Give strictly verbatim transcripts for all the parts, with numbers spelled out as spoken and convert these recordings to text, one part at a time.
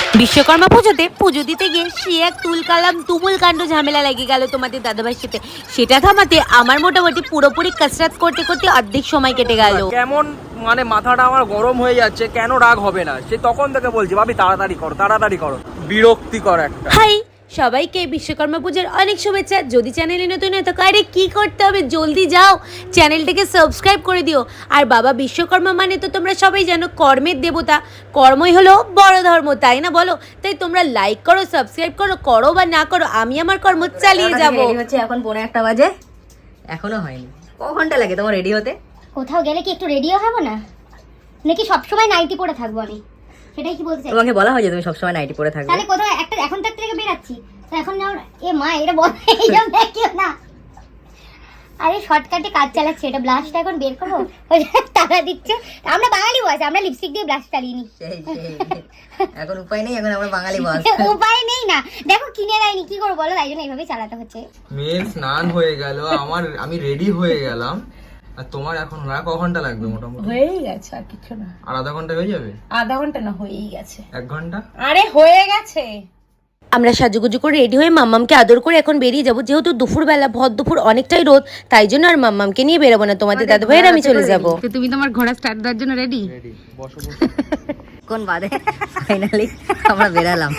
বিশ্বকর্মা পুজোতে পুজো দিতে গিয়ে সে এক তুলকালাম তুমুল কাণ্ড ঝামেলা লেগে গেল তোমাদের দাদাভাইয়ের সাথে। সেটা থামাতে আমার মোটামুটি পুরোপুরি কসরত করতে করতে অর্ধেক সময় কেটে গেল। কেমন মানে মাথাটা আমার গরম হয়ে যাচ্ছে, কেন রাগ হবে না সে তখন থেকে বলছি ভাবি তাড়াতাড়ি করো তাড়াতাড়ি করো, বিরক্তিকর একটা। হাই সবাইকে বিশ্বকর্মা পূজার অনেক শুভেচ্ছা। যদি চ্যানেলে নতুন হয় তো আরে কি করতে হবে, জলদি যাও চ্যানেলটাকে সাবস্ক্রাইব করে দিও। আর বাবা বিশ্বকর্মা মানে তো তোমরা সবাই জানো কর্মের দেবতা, কর্মই হলো বড় ধর্ম, তাই না বলো? তাই তোমরা লাইক করো, সাবস্ক্রাইব করো, করো বা না করো, আমি আমার কর্ম চালিয়ে যাবো। হচ্ছে এখন পৌনে একটা বাজে, এখনো হয়নি। ক ঘন্টা লাগে তোমার রেডি হতে? কোথাও গেলে কি একটু রেডিও হবো না, নাকি সবসময় নাইটি পরে থাকবো আমি? সেটাই কি বলতে চাই? তোমাকে বলা হয় যে তুমি সবসময় নাইটি পরে থাকবে। তাহলে কোথাও একটা এখন তার থেকে বেরাচ্ছি তো এখন যাও। এ মা এটা বল এইসব দেখিও না। আরে শর্টকাটে কাজ চালাচ্ছে, এটা ব্লাশটা এখন বের করবো। টাকা দিচ্ছে, আমরা বাঙালি বয়স, আমরা লিপস্টিক দিয়ে ব্লাশ চালিয়ে নি। এখন উপায় নেই, এখন আমরা বাঙালি বয়স, উপায় নেই না, দেখো কিনে দেয়নি, কি করবো বলো? তাই জন্য এইভাবেই চালাতে হচ্ছে। মেয়ের স্নান হয়ে গেল, আমার আমি রেডি হয়ে গেলাম, আর তোমার এখন আর ক ঘন্টা লাগবে? মোটামুটি হয়েই গেছে, আর কিছু না। আর আধা ঘন্টা হয়ে যাবে? আধা ঘন্টা না, হয়েই গেছে। এক ঘন্টা? আরে হয়ে গেছে। আমরা সাজুগুজু করে রেডি হয়ে মাম্মামকে আদর করে এখন বেরিয়ে যাবো। যেহেতু দুপুরবেলা ভর দুপুর অনেকটাই রোদ, তাই জন্য আর মাম্মামকে নিয়ে বেরোবো না, তোমাদের দাদু ভাইয়ের আমি চলে যাবো। তো তুমি তোমার ঘোড়া স্টার্ট দেওয়ার জন্য রেডি? রেডি, বসো বসো। কোন বাদে ফাইনালি আমরা বেরালাম।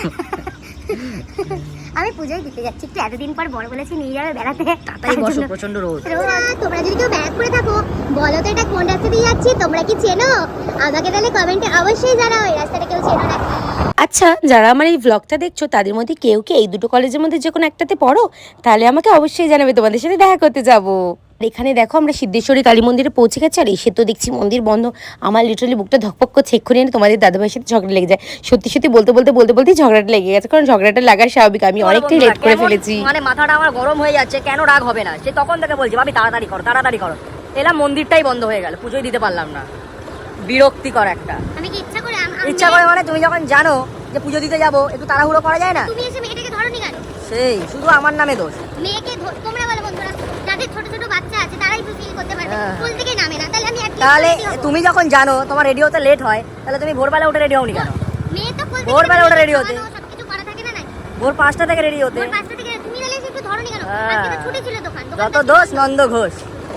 আমি পুজোয় দিতে যাচ্ছি, একটু এতদিন পর বড় বলেছি নিয়ে যাবে বেড়াতে। তাই বসো, প্রচন্ড রোদ। তোমরা যদি কেউ ব্যাগ করে থাকো বলো তো এটা কোন রাস্তা দিয়ে যাচ্ছি, তোমরা কি চেনো? আমাকে তাহলে কমেন্টে অবশ্যই জানাও এই রাস্তাটা কেউ চেনো নাকি। আচ্ছা, যারা আমার এই ভ্লগটা দেখছো তাদের মধ্যে কেউ কি এই দুটো কলেজের মধ্যে যে কোনো একটাতে পড়ো? তাহলে আমাকে অবশ্যই জানাবে, তোমাদের সাথে দেখা করতে যাবো। এখানে দেখো আমরা সিদ্ধেশ্বরী কালী মন্দিরে পৌঁছে গেছি, আর এসে তো দেখছি মন্দির বন্ধ। আমার লিটারালি বুকটা ধকপক করছে, এক্ষুনি এনে তোমাদের দাদাভাইয়ের সাথে ঝগড়া লেগে যায়। সত্যি সত্যি বলতে বলতে বলতে বলতেই ঝগড়াটা লেগে গেছে, কারণ ঝগড়াটা লাগার স্বাভাবিক, আমি অনেকটাই লেট করে ফেলেছি। মানে মাথাটা আমার গরম হয়ে যাচ্ছে, কেন রাগ হবে না সে তখন থেকে বলছি ভাবি তাড়াতাড়ি করো তাড়াতাড়ি করো। এলাম মন্দিরটাই বন্ধ হয়ে গেল, পুজোই দিতে পারলাম না, বিরক্তিকর একটা। আমি কি ইচ্ছা করে ইচ্ছা করে মানে তুমি যখন জানো যে পুজো দিতে যাবো, একটু তাড়াহুড়ো করা যায় না? তুমি এসে মেয়েটাকে ধরোনি কেন? সেই শুধু আমার নামে দোষ। মেয়েকে তোমরা বলো বন্ধুরা, যাদের ছোট ছোট বাচ্চা আছে তারাই ফিল করতে পারবে, স্কুল থেকে নামে না, তাহলে আমি তাহলে তুমি যখন জানো তোমার রেডি হতে লেট হয়, তাহলে তুমি ভোরবেলা উঠে রেডি হওনি কেন? মেয়ে তো ভোরবেলা উঠে রেডি হতে, সবকিছু করা থাকে না নাই? ভোর পাঁচটা থেকে রেডি হতে। ভোর পাঁচটা থেকে তুমি তাহলে একটু ধরোনি কেন? আজকে তো ছুটি ছিল দোকান। যত দোষ নন্দ ঘোষ।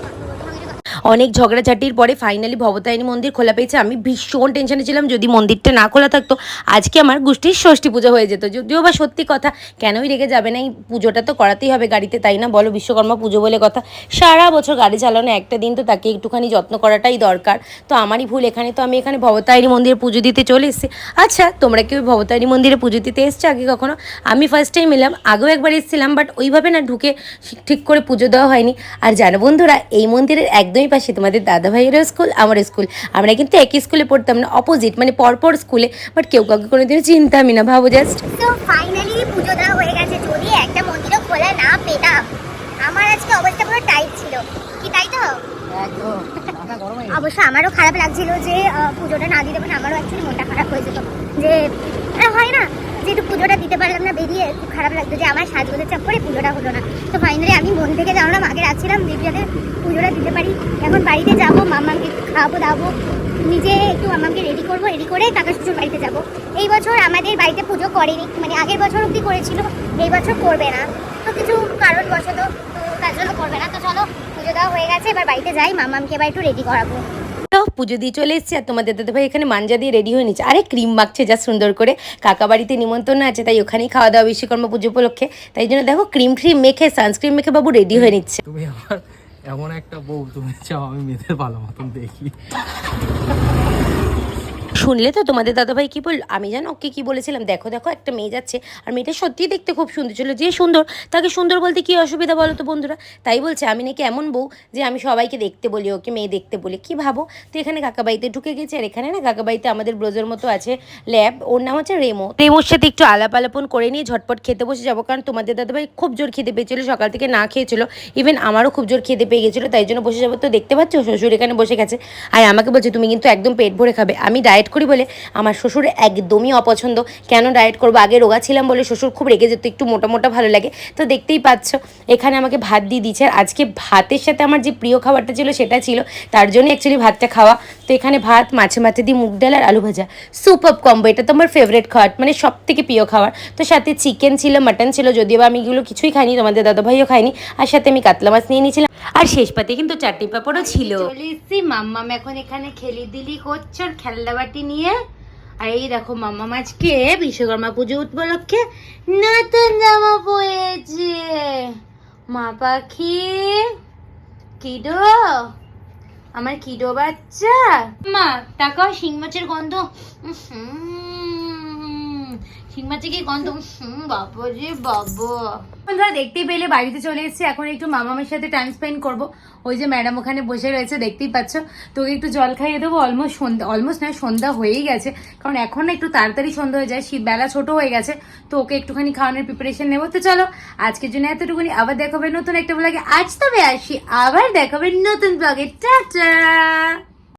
অনেক ঝগড়াঝাটির পরে ফাইনালি ভবতারিণী মন্দির খোলা পেয়েছে। আমি ভীষণ টেনশনে ছিলাম, যদি মন্দিরটা না খোলা থাকতো আজকে আমার গোষ্ঠীর ষষ্ঠী পুজো হয়ে যেত। যদিও বা সত্যি কথা, কেনই রেগে যাবে না, এই পুজোটা তো করাতেই হবে গাড়িতে, তাই না বলো? বিশ্বকর্মা পুজো বলে কথা, সারা বছর গাড়ি চালানো, একটা দিন তো তাকে একটুখানি যত্ন করাটাই দরকার। তো আমারই ভুল, এখানে তো আমি এখানে ভবতারিণী মন্দিরে পুজো দিতে চলে এসেছি। আচ্ছা, তোমরা কেউ ভবতারিণী মন্দিরে পুজো দিতে এসছো আগে কখনো? আমি ফার্স্ট টাইম এলাম, আগেও একবার এসেছিলাম, বাট ওইভাবে না ঢুকে ঠিক করে পুজো দেওয়া হয়নি। আর জানো বন্ধুরা, এই মন্দিরের একদমই পাশে তোমাদের দাদা ভাইয়েরও স্কুল, আমার স্কুল। আমরা কিন্তু একই স্কুলে পড়তাম না, অপোজিট মানে পরপর স্কুলে, বাট কেউ কাউকে কোনোদিনও চিনতামই না, ভাবো জাস্ট। তো ফাইনালি পুজো দেওয়া হয়ে গেছে। যদি একটা মন্দিরও খোলা না পেতাম, আমার আজকে অবস্থা পুরো টাইট ছিল, কি তাই তো? একদম মাথা গরম হয়ে অবশ্য আমারও খারাপ লাগছিল যে পুজোটা না দিতে পারে, আমারও অ্যাকচুয়ালি মনটা খারাপ হয়ে যেত, যে হয় না যেহেতু পুজোটা দিতে পারলাম না বেরিয়ে, খুব খারাপ লাগতো যে আমার সাজগোজের চাপ করে পুজোটা হলো না। তো ফাইনালি আমি মন থেকে জানলাম, আগে রাখছিলাম যে যাতে পুজোটা দিতে পারি। এখন বাড়িতে যাবো, মাম্মাকে খাওয়াবো দাবো, নিজে একটু মাম্মাকে রেডি করবো, রেডি করে কাকা শ্বশুর বাড়িতে যাবো। এই বছর আমাদের বাড়িতে পুজো করেনি, মানে আগের বছর অবধি করেছিল, এই বছর করবে না, তো কিছু কারণবশত তার জন্য করবে না। তো চলো, পুজো দেওয়া হয়ে গেছে, এবার বাড়িতে যাই, মাম্মাকে এবার একটু রেডি করাবো। তো পুজো দিয়ে চলে এসেছি, আর তোমাদের দাদা ভাই এখানে মাঞ্জা দিয়ে রেডি হয়ে নিচ্ছে। আরে ক্রিম মাখছে যা সুন্দর করে, কাকা বাড়িতে নিমন্ত্রণ আছে, তাই ওখানেই খাওয়া দাওয়া বিশ্বকর্মা পুজো উপলক্ষে, তাই জন্য দেখো ক্রিম ট্রিম মেখে সানস্ক্রিন মেখে বাবু রেডি হয়ে নিচ্ছে। তুমি আমার এমন একটা বউ, তুমি চাও আমি মেয়েদের ভালো মতন দেখি। শুনলে তো তোমাদের দাদাভাই কি বলল? আমি জানো ওকে কি বলেছিলাম, দেখো দেখো একটা মেয়ে যাচ্ছে, আর মেয়েটা সত্যিই দেখতে খুব সুন্দর ছিল। যে সুন্দর তাকে সুন্দর বলতে কি অসুবিধা বলো তো বন্ধুরা? তাই বলছে আমি নাকি এমন বউ যে আমি সবাইকে দেখতে বলি, ওকে মেয়ে দেখতে বলি, কি ভাবো? তো এখানে কাকাবাড়িতে ঢুকে গেছে, আর এখানে না কাকাবাড়িতে আমাদের ব্রোজের মতো আছে ল্যাব, ওর নাম হচ্ছে রেমো। রেমোর সাথে একটু আলাপ আলাপন করে নিয়ে ঝটপট খেতে বসে যাবো, কারণ তোমাদের দাদাভাই খুব জোর খেতে পেয়েছিল, সকাল থেকে না খেয়েছিল, ইভেন আমারও খুব জোর খেতে পেয়ে গেছিলো, তাই জন্য বসে যাবো। তো দেখতে পাচ্ছ শ্বশুর এখানে বসে গেছে, আর আমাকে বলছে তুমি কিন্তু একদম পেট ভরে খাবে। আমি ডায়েট করি বলে আমার শ্বশুর একদমই অপছন্দ। কেন ডায়েট করবো? আগে রোগা ছিলাম বলে শ্বশুর খুব রেগে যেত, একটু মোটা মোটা ভালো লাগে। তো দেখতেই পাচ্ছ এখানে আমাকে ভাত দিয়ে দিচ্ছে, আর আজকে ভাতের সাথে আমার যে প্রিয় খাবারটা ছিল সেটা ছিল, তার জন্য অ্যাকচুয়ালি ভাতটা খাওয়া। তো এখানে ভাত, মাছে মাছে দিয়ে মুগ ডাল আর আলু ভাজা, সুপার কম্বো। এটা তো আমার ফেভারিট খাবার, মানে সব থেকে প্রিয় খাবার। তো সাথে চিকেন ছিল, মাটন ছিল, যদিও বা আমি এগুলো কিছুই খাইনি, তোমাদের দাদাভাইও খাইনি। আর সাথে আমি কাতলা মাছ নিয়ে নিয়েছিলাম, আর শেষ পাতে কিন্তু চাটনি পাঁপড়ও ছিল। চলে এসেছি, মাম্মাম এখন এখানে খেলি দিলি করছে ওর খেলনা বাটি নিয়ে। আর এই দেখো মাম্মাম আজকে বিশ্বকর্মা পুজো উপলক্ষে নতুন জামা পরেছে। মা পাখি কিডো, আমার কিডো বাচ্চা। মা তাকাও, শিং মাছের গন্ধ, শিং মাছের কি গন্ধ, বাবা রে বাবা। বন্ধুরা দেখতেই পেলে বাড়িতে চলে এসেছি, এখন একটু মামামের সাথে টাইম স্পেন্ড করব। ওই যে ম্যাডাম ওখানে বসে রয়েছে, দেখতেই পাচ্ছ। তোকে একটু জল খাইয়ে দেবো, অলমোস্ট সন্ধ্যা, অলমোস্ট নয় সন্ধ্যা হয়েই গেছে, কারণ এখন না একটু তাড়াতাড়ি সন্ধ্যা হয়ে যায়, শীত বেলা ছোট হয়ে গেছে। তো ওকে একটুখানি খাওয়ানোর প্রিপারেশন নেবো। তো চলো আজকের জন্য এতটুকুনি, আবার দেখাবে নতুন একটা ব্লগে। আজ তবে আসি, আবার দেখাবে নতুন ব্লগে। টাটা।